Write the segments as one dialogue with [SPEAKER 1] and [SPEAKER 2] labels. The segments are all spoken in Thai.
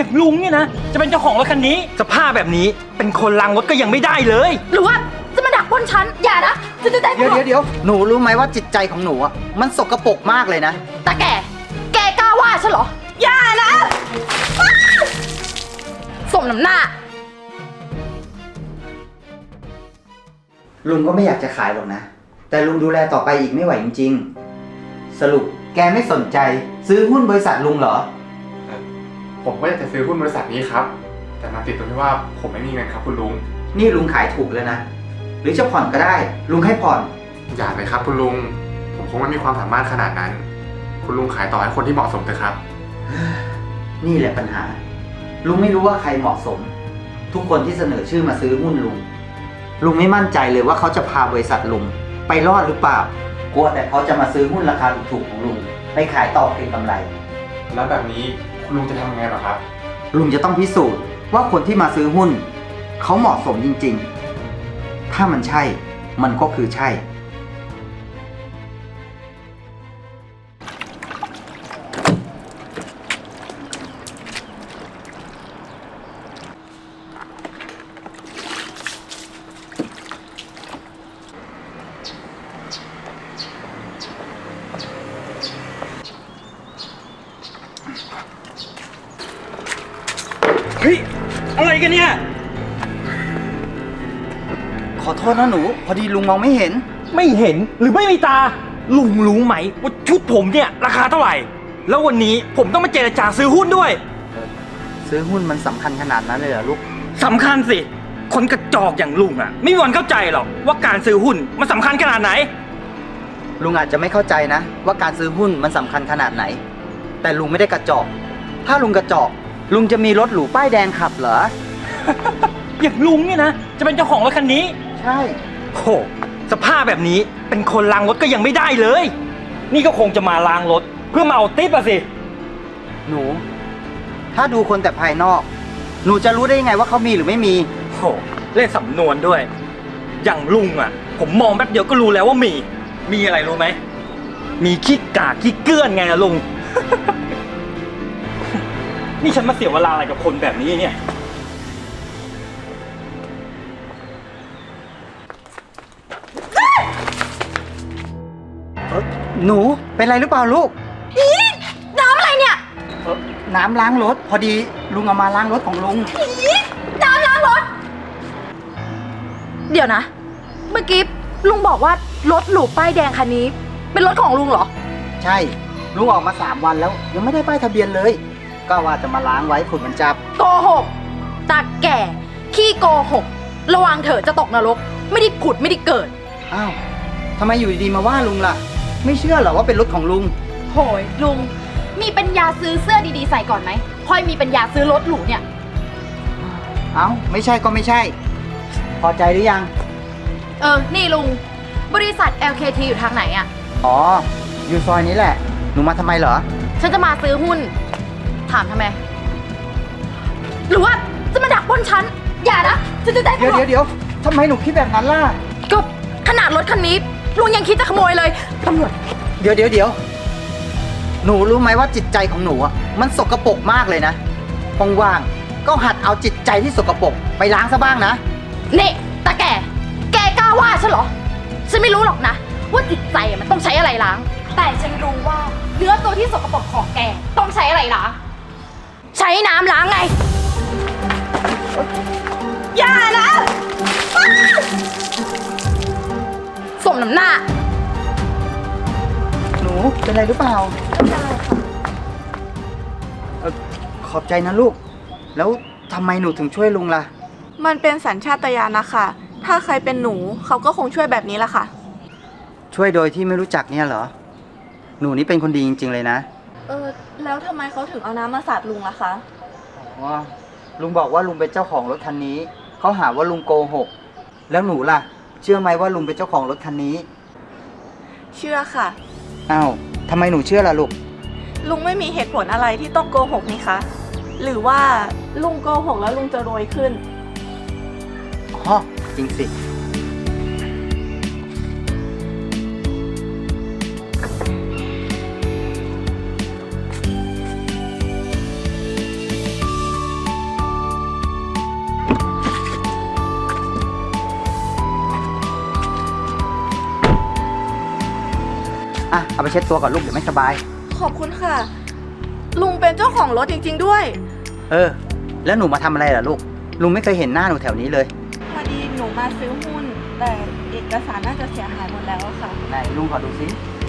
[SPEAKER 1] อย่างลุงเนี่ยนะจะเป็นเจ้าของรถคันนี้สภาพแบบนี้เป็นคนล้างรถก็ยังไม่ได้เลย
[SPEAKER 2] หรือว่าจะมาดักปล้นฉันอย่านะจะได้
[SPEAKER 3] เดี๋ยวหนูรู้ไหมว่าจิตใจของหนูอ่ะมันสกปรกมากเลยนะ
[SPEAKER 2] แต่แกกล้าว่าฉันเหรออย่านะสมน้ำหน้า
[SPEAKER 3] ลุงก็ไม่อยากจะขายหรอกนะ แต่ลุงดูแลต่อไปอีกไม่ไหวจริงๆสรุปแกไม่สนใจซื้อหุ้นบริษัทลุงเหรอ
[SPEAKER 4] ผมก็อยากจะซื้อหุ้นบริษัทนี้ครับแต่มาติดตรงที่ว่าผมไม่มีเงินครับคุณลุง
[SPEAKER 3] นี่ลุงขายถูกเลยนะหรือจะผ่อนก็ได้ลุงให้ผ่อน
[SPEAKER 4] อย่าเลยครับคุณลุงผมคงไม่มีความสามารถขนาดนั้นคุณลุงขายต่อให้คนที่เหมาะสมเถอะครับ
[SPEAKER 3] นี่แหละปัญหาลุงไม่รู้ว่าใครเหมาะสมทุกคนที่เสนอชื่อมาซื้อหุ้นลุงไม่มั่นใจเลยว่าเขาจะพาบริษัทลุงไปรอดหรือเปล่ากลัวแต่เขาจะมาซื้อหุ้นราคาถูกๆของลุงไปขายต่อเก็งกำไร
[SPEAKER 4] แล้วแบบนี้คุณลุงจะทำยังไงหรอครับ
[SPEAKER 3] ลุงจะต้องพิสูจน์ว่าคนที่มาซื้อหุ้นเขาเหมาะสมจริงๆถ้ามันใช่มันก็คือใช่
[SPEAKER 1] เฮ้ยอะไรกันเนี่ย
[SPEAKER 3] ขอโทษนะหนูพอดีลุงมองไม่เห็น
[SPEAKER 1] ไม่เห็นหรือไม่มีตาลุงรู้ไหมว่าชุดผมเนี่ยราคาเท่าไหร่แล้ววันนี้ผมต้องมาเจรจาซื้อหุ้นด้วย
[SPEAKER 3] ซื้อหุ้นมันสำคัญขนาดนั้นเลยเหรอลูก
[SPEAKER 1] สำคัญสิคนกระจอกอย่างลุงอ่ะไม่มีวันเข้าใจหรอกว่าการซื้อหุ้นมันสำคัญขนาดไหน
[SPEAKER 3] ลุงอาจจะไม่เข้าใจนะว่าการซื้อหุ้นมันสำคัญขนาดไหนแต่ลุงไม่ได้กระจอกถ้าลุงกระจอกลุงจะมีรถหรูป้ายแดงขับเหรอ
[SPEAKER 1] อย่างลุงเนี่ยนะจะเป็นเจ้าของรถคันนี้
[SPEAKER 3] ใช่
[SPEAKER 1] โหสภาพแบบนี้เป็นคนล้างรถก็ยังไม่ได้เลยนี่ก็คงจะมาล้างรถเพื่อมาเอาติ๊บอะสิ
[SPEAKER 3] หนูถ้าดูคนแต่ภายนอกหนูจะรู้ได้ยังไงว่าเขามีหรือไม่มี
[SPEAKER 1] โหเล่นสำนวนด้วยอย่างลุงอ่ะผมมองแป๊บเดียวก็รู้แล้วว่ามีอะไรรู้ไหมมีขี้กากขี้เกื้อนไงล่ะลุง นี่ฉันมาเสียเวลาอะไรกับคนแบบนี้เนี่ย
[SPEAKER 3] หนูเป็นไรหรือเปล่าลูก
[SPEAKER 2] อีน้ำอะไรเนี่ย
[SPEAKER 3] น้ำล้างรถพอดีลุงเอามาล้างรถของลุง
[SPEAKER 2] อีน้ำล้างรถเดี๋ยวนะเมื่อกี้ลุงบอกว่ารถหรูป้ายแดงคันนี้เป็นรถของลุงเหรอ
[SPEAKER 3] ใช่ลุงออกมา3 วันแล้วยังไม่ได้ป้ายทะเบียนเลยก็ว่าจะมาล้างไว้ฝุ่นมันจับ
[SPEAKER 2] โกหกตาแก่ขี้โกหกระวังเถอะจะตกนรกไม่ได้ผุดไม่ได้เกิด
[SPEAKER 3] อ้าวทำไมอยู่ดีๆมาว่าลุงล่ะไม่เชื่อเหรอว่าเป็นรถของลุง
[SPEAKER 2] โหยลุงมีปัญญาซื้อเสื้อดีๆใส่ก่อนไหมค่อยมีปัญญาซื้อรถหรูเนี่ย
[SPEAKER 3] เอ้าไม่ใช่ก็ไม่ใช่พอใจหรือยัง
[SPEAKER 2] นี่ลุงบริษัท LKT อยู่ทางไหนอะ
[SPEAKER 3] อ๋ออยู่ซอยนี้แหละหนูมาทำไมเหรอ
[SPEAKER 2] ฉันจะมาซื้อหุ้นถามทำไมหรือว่าจะมาดักปล้นฉันอย่านะจะได้
[SPEAKER 3] เดี๋ยวทำไมหนูคิดแบบนั้นล่ะ
[SPEAKER 2] ก็ขนาดรถคันนี้ลุงยังคิดจะขโมยเลยตำรวจ
[SPEAKER 3] เดี๋ยวหนูรู้ไหมว่าจิตใจของหนูอ่ะมันสกปรกมากเลยนะว่างๆก็หัดเอาจิตใจที่สกปรกไปล้างซะบ้างนะ
[SPEAKER 2] นี่ตาแกกล้าว่าฉันเหรอฉันไม่รู้หรอกนะว่าจิตใจมันต้องใช้อะไรล้างแต่ฉันรู้ว่าเนื้อตัวที่สกปรกของแกต้องใช้อะไรล้างใช้น้ำล้างไงอย่านะสมน้ำหน้า
[SPEAKER 3] หนูเป็นไรหรือเปล่า
[SPEAKER 2] ไม่เป็นไรค่ะ
[SPEAKER 3] ขอบใจนะลูกแล้วทำไมหนูถึงช่วยลุงล่ะ
[SPEAKER 5] มันเป็นสัญชาตญาณนะคะถ้าใครเป็นหนูเขาก็คงช่วยแบบนี้แหละค่ะ
[SPEAKER 3] ช่วยโดยที่ไม่รู้จักเนี่ยเหรอหนูนี่เป็นคนดีจริงๆเลยนะ
[SPEAKER 5] แล้วทำไมเขาถึงเอาน้ำมาสาดลุงล่ะคะ
[SPEAKER 3] อ๋อลุงบอกว่าลุงเป็นเจ้าของรถคันนี้เขาหาว่าลุงโกหกแล้วหนูล่ะเชื่อไหมว่าลุงเป็นเจ้าของรถคันนี้
[SPEAKER 5] เชื่อค่ะ
[SPEAKER 3] อ้าวทำไมหนูเชื่อล่ะลูก
[SPEAKER 5] ลุงไม่มีเหตุผลอะไรที่ต้องโกหกนี่คะหรือว่าลุงโกหกแล้วลุงจะรวยขึ้น
[SPEAKER 3] อ๋อจริงสิเอาไปเช็ดตัวก่อนลูกเดี๋ยวไม่สบาย
[SPEAKER 5] ขอบคุณค่ะ ลุงเป็นเจ้าของรถจริงๆด้วย
[SPEAKER 3] เออ แล้วหนูมาทำอะไรล่ะลูก ลุงไม่เคยเห็นหน้าหนูแถวนี้เลย
[SPEAKER 5] พอดีหนูมาซื้อหุ้น แต่เอกสารน่าจะเสียหายหมดแล้วอะค่ะ
[SPEAKER 3] ไหนลุงขอดูซิ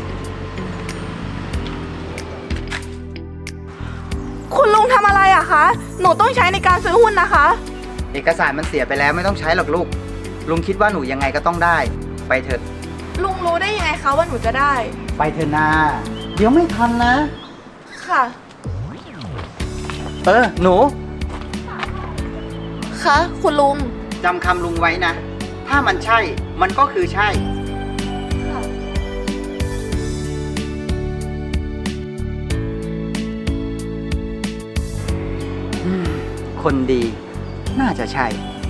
[SPEAKER 5] คุณลุงทำอะไรอะคะ หนูต้องใช้ในการซื้อหุ้นนะคะ
[SPEAKER 3] เอกสารมันเสียไปแล้วไม่ต้องใช้หรอกลูก ลุงคิดว่าหนูยังไงก็ต้องได้ ไปเถอะ
[SPEAKER 5] ลุงรู้ได้ยังไงคะว่าหนูจะได้
[SPEAKER 3] ไปเถอะนาเดี๋ยวไม่ทันนะ
[SPEAKER 5] ค่ะ
[SPEAKER 3] เออ หนู
[SPEAKER 5] คะคุณลุง
[SPEAKER 3] จำคำลุงไว้นะ ถ้ามันใช่ มันก็คือใช่ คนดี น่าจะใช่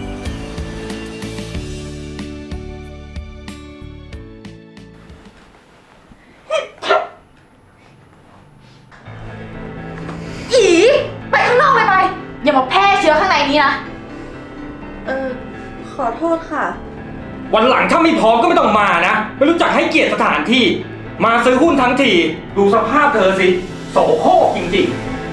[SPEAKER 2] อีไปข้างนอกเลยไป อย่ามาแพร่เชื้อข้างในนี้นะ
[SPEAKER 5] ขอโทษค่ะ
[SPEAKER 1] วันหลังถ้าไม่พร้อมก็ไม่ต้องมานะ ไม่รู้จักให้เกียรติสถานที่ มาซื้อหุ้นทั้งที ดูสภาพเธอสิ โสโครกจริง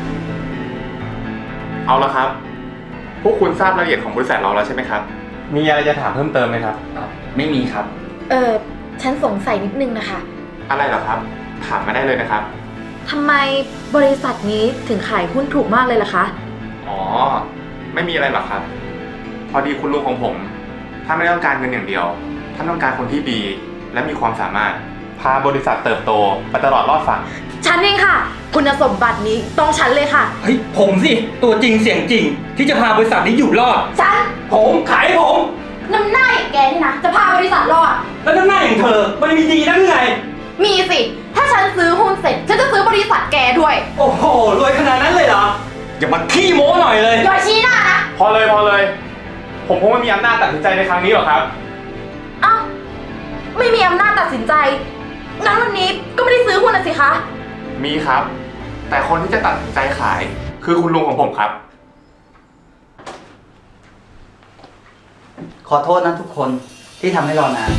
[SPEAKER 4] เอาละครับ พวกคุณทราบรายละเอียดของบริษัทเราแล้วใช่ไหมครับ มีอะไรจะถามเพิ่มเติมไหมครับ
[SPEAKER 1] ๆ ไม่มีครับ
[SPEAKER 2] ฉันสงสัยนิดนึงนะคะ
[SPEAKER 4] อะไรเหรอครับ ถามมาได้เลยนะครับ
[SPEAKER 2] ทำไมบริษัทนี้ถึงขายหุ้นถูกมากเลยล่ะคะ
[SPEAKER 4] อ๋อ ไม่มีอะไรหรอกครับ พอดีคุณลุงของผม ถ้าไม่ได้ต้องการเงินอย่างเดียว ท่านต้องการคนที่ดี และมีความสามารถ พาบริษัทเติบโตไปตลอดรอดฝั่ง
[SPEAKER 2] ฉันเองค่ะ คุณสมบัตินี้ต้องฉันเลยค่ะ
[SPEAKER 1] เฮ้ย ผมสิ ตัวจริงเสียงจริง ที่จะพาบริษัทนี้อยู่รอด
[SPEAKER 2] ฉัน
[SPEAKER 1] ผมขายผม
[SPEAKER 2] น้ำหน้าอย่างแกนี่นะ จะพาบริษัทรอด
[SPEAKER 1] แล้วน้ำหน้าอย่างเธอ มันมีดีนักไง
[SPEAKER 2] มีสิ ถ้าฉันซื้อหุ้นเสร็จ ฉันจะซื้อบริษัทแกด้วย
[SPEAKER 1] โอ้โห รวยขนาดนั้นเลยเหรอ อย่ามาขี้โม้หน่อยเลย
[SPEAKER 2] อย่าชี้หน้านะ
[SPEAKER 4] พอเลย ผมคงไม่มีอำนาจตัดสินใจในครั้งนี้หรอกครับ
[SPEAKER 2] เอ้า ไม่มีอำนาจตัดสินใจ งั้นวันนี้ก็ไม่ได้ซื้อหุ้นนะสิคะ
[SPEAKER 4] มีครับ แต่คนที่จะตัดสินใจขาย คือคุณลุงของผมครับ
[SPEAKER 3] ขอโทษนะทุกคนที่ทำให้รอนาน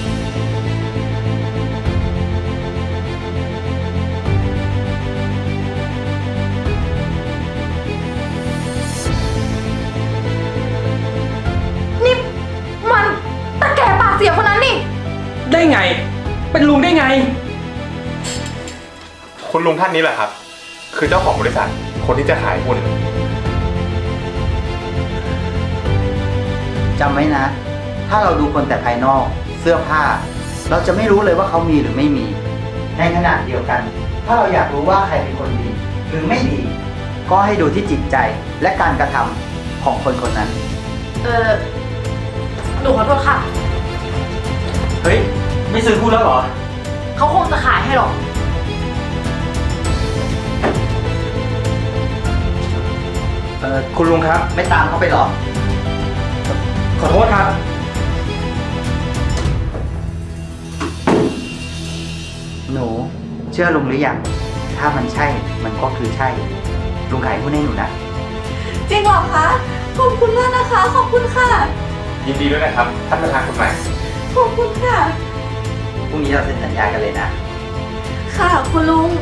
[SPEAKER 2] นี่มันตะแก่ปากเสียคนนั้นนี่
[SPEAKER 1] ได้ไง เป็นลุงได้ไง
[SPEAKER 4] คุณลุงท่านนี้แหละครับ คือเจ้าของบริษัท คนที่จะขายหุ้น
[SPEAKER 3] จำไว้นะ ถ้าเราดูคนแต่ภายนอก เสื้อผ้า เราจะไม่รู้เลยว่าเขามีหรือไม่มี ในขณะเดียวกัน ถ้าเราอยากรู้ว่าใครเป็นคนดี หรือไม่ดี ก็ให้ดูที่จิตใจและการกระทำของคนคนนั้น
[SPEAKER 2] หนูขอโทษค่ะ
[SPEAKER 1] เฮ้ย ไม่ซื้อหุ้นแล้วเหรอ
[SPEAKER 2] เขาคงจะขายให้หรอก
[SPEAKER 1] คุณลุงครับ
[SPEAKER 3] ไม่ตามเขาไปหรอ
[SPEAKER 1] ขอโทษครับ
[SPEAKER 3] หนู เชื่อลุงหรือยัง ถ้ามันใช่ มันก็คือใช่ ลุงขายหุ้นให้หนูนะ
[SPEAKER 5] จริงเหรอคะ ขอบคุณมากนะคะ ขอบคุณค่ะ
[SPEAKER 4] ยินดีด้วยนะครับ ท่านประธานคนใหม่
[SPEAKER 5] ขอบคุณค่ะ
[SPEAKER 3] พรุ่งนี้เราเซ็นสัญญากันเลยนะ
[SPEAKER 5] ค่ะคุณลุง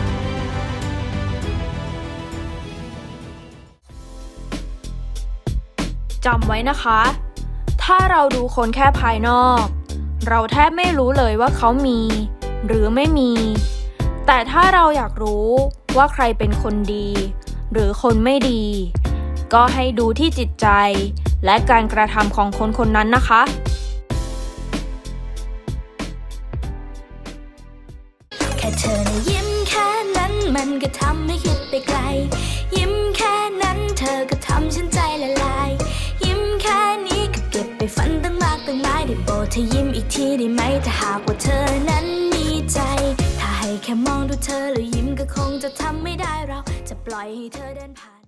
[SPEAKER 6] จำไว้นะคะ ถ้าเราดูคนแค่ภายนอก เราแทบไม่รู้เลยว่าเขามี หรือไม่มี แต่ถ้าเราอยากรู้ว่าใครเป็นคนดี หรือคนไม่ดี ก็ให้ดูที่จิตใจ และการกระทำของคนคนนั้นนะคะ
[SPEAKER 7] แค่เธอนะยิ้มแค่นั้นมันก็ทำให้คิดไปไกล ยิ้มแค่นั้นเธอก็ทำฉันใจละลาย ยิ้มแค่นี้ก็เก็บไปฝันตั้งมากตั้งหลายได้โปรดเธอยิ้มอีกทีได้ไหมถ้าหากว่าเธอนั้นมีใจ ถ้าให้แค่มองดูเธอแล้วยิ้มก็คงจะทำไม่ได้เราจะปล่อยให้เธอเดินผ่าน